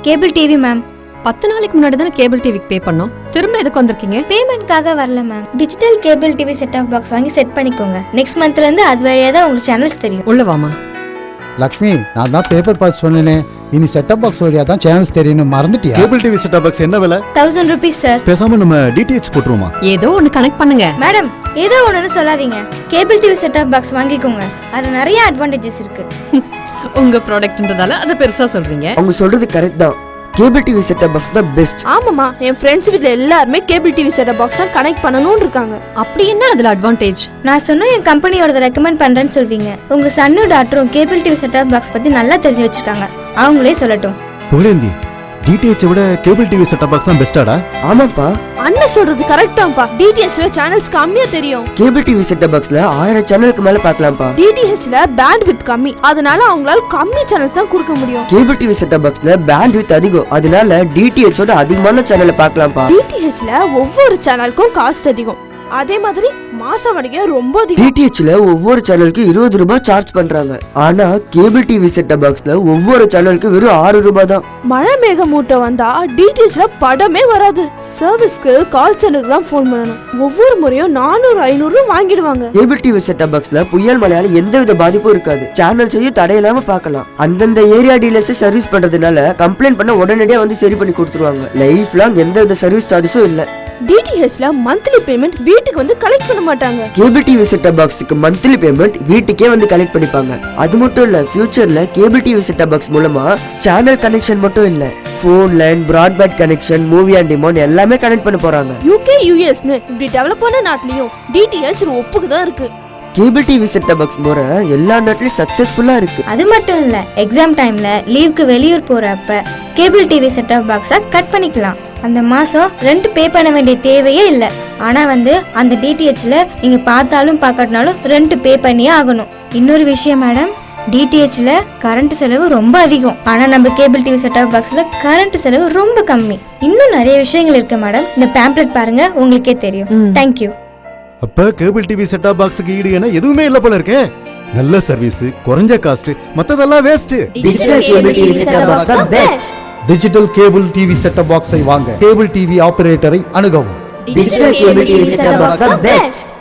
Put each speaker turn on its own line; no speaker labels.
Cable TV ma'am.
10 நாளைக்கு முன்னாடி தானே கேபிள் டிவிக்கு பே பண்ணோம். திரும்ப எதுக்கு வந்திருக்கீங்க?
பேமெண்ட்காக வரல ma'am. Digital cable TV set off box வாங்கி செட் பண்ணிக்கோங்க. நெக்ஸ்ட் மந்த்ல இருந்து அது வழியா தான் உங்களுக்கு சேனல்ஸ் தெரியும்.
உள்ள வாமா.
லக்ஷ்மி, நான் தான் பேப்பர் பாஸ் சொன்னேனே, இனி செட்டப் பாக்ஸ் வழியா தான் சேனல்ஸ் தெரியும். மறந்துட்டியா?
கேபிள் டிவி செட்டப் பாக்ஸ் என்ன விலை?
1000 rupees சார்.
பேசாம நம்ம டிடிஎச் போட்டுருவோமா?
ஏதோ ஒன்னு கனெக்ட் பண்ணுங்க.
மேடம், ஏதோ ஒண்ணுன்னு சொல்லாதீங்க. Cable TV set off box வாங்கிக்கோங்க. அது நிறைய அட்வான்டேஜஸ் இருக்கு.
உங்க ப்ராடக்ட்ன்றதால அத பெருசா சொல்றீங்க.
அவங்க சொல்றது கரெக்ட் தான். கேபிள் டிவி செட்டப் பாக்ஸ் தான் பெஸ்ட்.
ஆமாமா, என் ஃப்ரெண்ட்ஸ் வீட்ல எல்லாரும் கேபிள் டிவி செட்டப் பாக்ஸ் தான் கனெக்ட் பண்ணனும்னு இருக்காங்க.
அப்படி என்ன அதுல அட்வான்டேஜ்?
நான் சொன்ன என் கம்பெனியோட ரெக்கமெண்ட் பண்றேன்னு சொல்வீங்க. உங்க சன்னு டாக்டரும் cable TV set off box பத்தி நல்லா தெரிஞ்சு வச்சிருக்காங்க. அவங்களே சொல்லட்டும்.
புகழேந்தி, டிடிஎச் விட கேபிள் டிவி செட்டப் பாக்ஸ் தான் பெஸ்டாடா?
ஆமாப்பா,
அண்ணன் சொல்றது கரெக்ட் தான்ப்பா. டிடிஹெச்ல சேனல்ஸ் கம்மியா தெரியும்.
கேபிள் டிவி செட்டப் பாக்ஸ்ல 1000 சேனலுக்கு மேல பார்க்கலாம்ப்பா.
டிடிஹெச்ல பேண்ட்வித் கம்மி, அதனால அவங்களால கம்மி சேனல்ஸ் தான் கொடுக்க முடியும்.
கேபிள் டிவி செட்டப் பாக்ஸ்ல பேண்ட்வித் அதிகம், அதனால டிடிஹெச் ஓட அதிகமான சேனலை பார்க்கலாம்ப்பா.
டிடிஹெச்ல ஒவ்வொரு சேனலுக்கும் காஸ்ட் அதிகம். அதே மாதிரி மாச வாடகை ரொம்ப அதிகம்.
டிடிஹெச்ல ஒவ்வொரு சேனலுக்கு 20 ரூபாய் சார்ஜ் பண்றாங்க. ஆனா கேபிள் டிவி செட்டப் பாக்ஸ்ல ஒவ்வொரு சேனலுக்கு வெறும் 6 ரூபாய் தான்.
மழை மேகமூட்டம் வந்தா டிடிஹெச்ல படமே வராது. சர்வீஸ்க்கு கால் சென்டருக்கு தான் போன் பண்ணணும். ஒவ்வொரு முறையும் 400-500 வாங்கிடுவாங்க.
கேபிள் டிவி செட்டப் பாக்ஸ்ல புயல் மழையால எந்தவித பாதிப்பும் இருக்காது. சேனல்ஸையும் தடையில்லாம பார்க்கலாம். அந்தந்த ஏரியா டீலர்ஸ் சர்வீஸ் பண்றதுனால கம்ப்ளைண்ட் பண்ண உடனடியா வந்து சரி பண்ணி கொடுத்துருவாங்க. லைஃப் லாங் எந்தவித சர்வீஸ் சார்ஜஸும் இல்ல.
டிடிஹெச்ல மந்த்லி பேமெண்ட் வீட்டுக்கு வந்து கலெக்ட் பண்ண மாட்டாங்க.
கேபிள் டிவி செட்டப் பாக்ஸ்க்கு மந்த்லி பேமெண்ட் வீட்டுக்கே வந்து கலெக்ட் பண்ணிப்பாங்க. அது மட்டும் இல்ல, ஃபியூச்சர்ல கேபிள் டிவி செட்டப் பாக்ஸ் மூலமா சேனல் கனெக்ஷன் மட்டும் இல்ல, phone line, broadband connection, movie and demand எல்லாமே கனெக்ட் பண்ண போறாங்க.
யூகே யுஎஸ்னு இப்படி டெவலப் பண்ண நாட்டிலயும் டிடிஹெச் ஒப்புக்கு தான் இருக்கு.
கேபிள் டிவி செட்டப் பாக்ஸ் முறை எல்லா நாட்டிலும் சக்சஸ்ஃபுல்லா இருக்கு.
அது மட்டும் இல்ல, எக்ஸாம் டைம்ல லீவுக்கு வெளியூர் போறப்ப கேபிள் டிவி செட் ஆஃப் பாக்ஸா கட் பண்ணிக்கலாம். அந்த மாசம் ரெண்ட் பே பண்ண வேண்டிய தேவையே இல்ல. ஆனா அந்த டிடிஹெச்ல நீங்க பார்த்தாலும் பார்க்காட்டினாலும் ரெண்ட் பே பண்ணியே ஆகணும். இன்னொரு விஷயம் மேடம், டிடிஹெச்ல கரண்ட் செலவு ரொம்ப அதிகம். ஆனா நம்ம கேபிள் டிவி செட் ஆஃப் பாக்ஸ்ல கரண்ட் செலவு ரொம்ப கம்மி. இன்னும் நிறைய விஷயங்கள் இருக்கு மேடம். இந்த பேம்ப்ளெட் பாருங்க, உங்களுக்கே தெரியும். தேங்க்யூ.
அப்ப கேபிள் டிவி செட்டப் பாக்ஸ்க்கு ஈடு என எதுவுமே இல்ல போல இருக்கே. நல்ல சர்வீஸ், குறைஞ்ச காஸ்ட், மத்ததெல்லாம் waste.
Digital cable TV setup box தான் best.
Digital cable TV setup பாக்ஸை வாங்க கேபிள் டிவி ஆபரேட்டரை அணுகவும்.
Digital cable TV setup box தான் பெஸ்ட்.